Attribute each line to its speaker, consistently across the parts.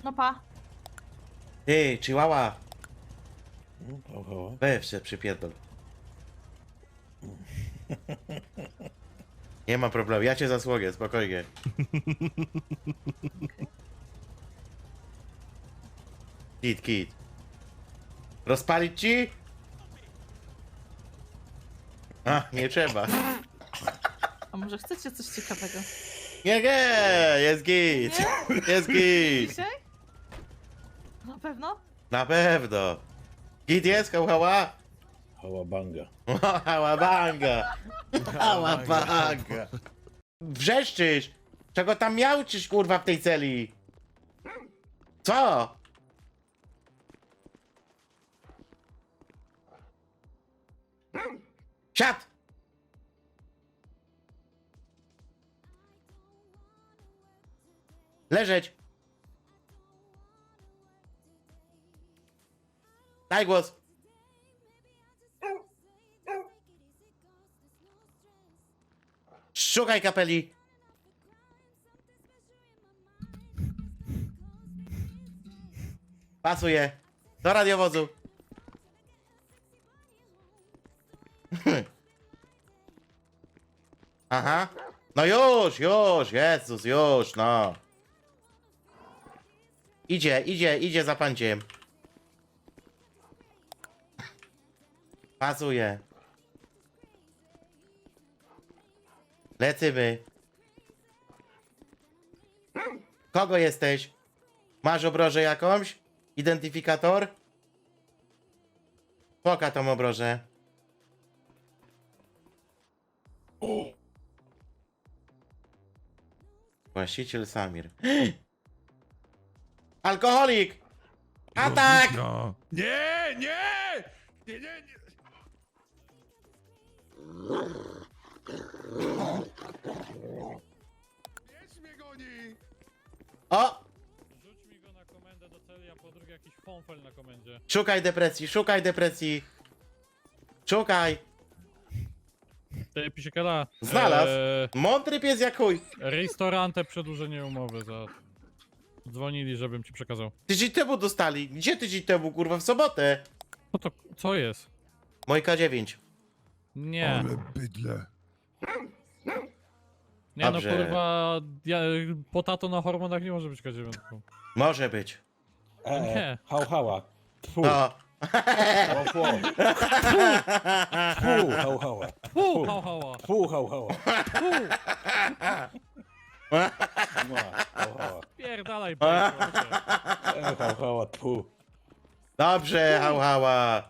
Speaker 1: No pa.
Speaker 2: Ty, chihuahua.
Speaker 3: Oho.
Speaker 2: Weź się przypierdol. Nie ma problemu, ja cię zasłonię, spokojnie. Kit. Rozpalić ci? A, nie trzeba.
Speaker 1: A może chcecie coś ciekawego?
Speaker 2: Nie, jest git. Jest git.
Speaker 1: Dzisiaj? Na pewno?
Speaker 2: Na pewno. Git jest, hała?
Speaker 3: Hałabanga.
Speaker 2: Hałabanga. Hałabanga. Wrzeszczysz. Czego tam miałczysz, kurwa, w tej celi? Co? Siad! Leżeć! Daj głos! Szukaj kapeli! Pasuje! Do radiowozu! Aha! No już! Jezus, już, no! Idzie za panciem. Pasuje. Lecymy. Kogo jesteś? Masz obrożę jakąś? Identyfikator? Poka tą obrożę. Właściciel Samir. Alkoholik! Atak!
Speaker 4: No. Nie, nie! Nie, nie, nie! Pies mnie goni!
Speaker 2: O!
Speaker 5: Rzuć mi go na komendę do celi, a po drugie jakiś fonfel na komendzie.
Speaker 2: Szukaj depresji. Szukaj!
Speaker 5: Ty, Pisiekala.
Speaker 2: Znalazł. Mądry pies jak chuj.
Speaker 5: Restaurante przedłużenie umowy za... Dzwonili, żebym ci przekazał.
Speaker 2: Tydzień temu dostali. Gdzie tydzień temu, kurwa? W sobotę.
Speaker 5: No to co jest?
Speaker 2: Mój K9.
Speaker 5: Nie.
Speaker 4: Ale bydle.
Speaker 5: Nie no
Speaker 2: Dobrze.
Speaker 5: kurwa, potato na hormonach nie może być K9.
Speaker 2: Może być.
Speaker 5: Nie.
Speaker 3: Hałhała. Tfu.
Speaker 2: No.
Speaker 3: Tfu. Tfu. Hałhała.
Speaker 5: Fu, hała.
Speaker 3: Tfu. Hałhała.
Speaker 5: Fu,
Speaker 3: Hałhała.
Speaker 5: pierdalaj, bajko.
Speaker 3: Hałhała. Tfu.
Speaker 2: Dobrze, hała.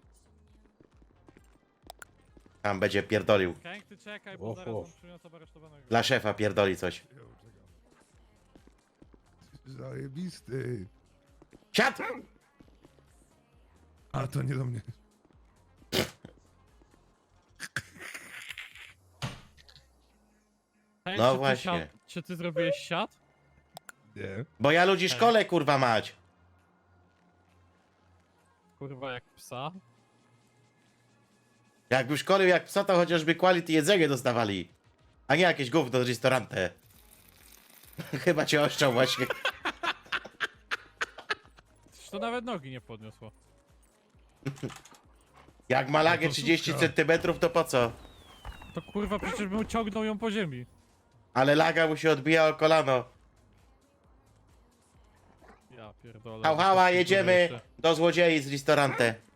Speaker 2: Tam będzie pierdolił.
Speaker 5: Kęk, ty czekaj, bo zaraz
Speaker 3: Oho.
Speaker 5: on przyniosę aresztowanego.
Speaker 2: Dla szefa pierdoli coś.
Speaker 4: Zajebisty.
Speaker 2: Siad!
Speaker 4: A to nie do mnie.
Speaker 5: Kęk,
Speaker 2: No
Speaker 5: czy ty
Speaker 2: właśnie.
Speaker 5: Czy ty zrobiłeś siat?
Speaker 4: Nie.
Speaker 2: Bo ja ludzi szkole, kurwa mać.
Speaker 5: Kurwa, jak psa.
Speaker 2: Jakby szkolił jak psa, to chociażby quality jedzenie dostawali. A nie jakieś gówno z restaurante. Chyba cię oszczał właśnie.
Speaker 5: Przecież to nawet nogi nie podniosło.
Speaker 2: Jak ma lagę
Speaker 4: No to
Speaker 2: 30
Speaker 4: suka.
Speaker 2: centymetrów, to po co?
Speaker 5: To kurwa, przecież bym ciągnął ją po ziemi.
Speaker 2: Ale laga mu się odbija o kolano.
Speaker 5: Ja pierdolę.
Speaker 2: Hała,
Speaker 5: To
Speaker 2: jedziemy
Speaker 5: jeszcze.
Speaker 2: do złodziei z restaurante.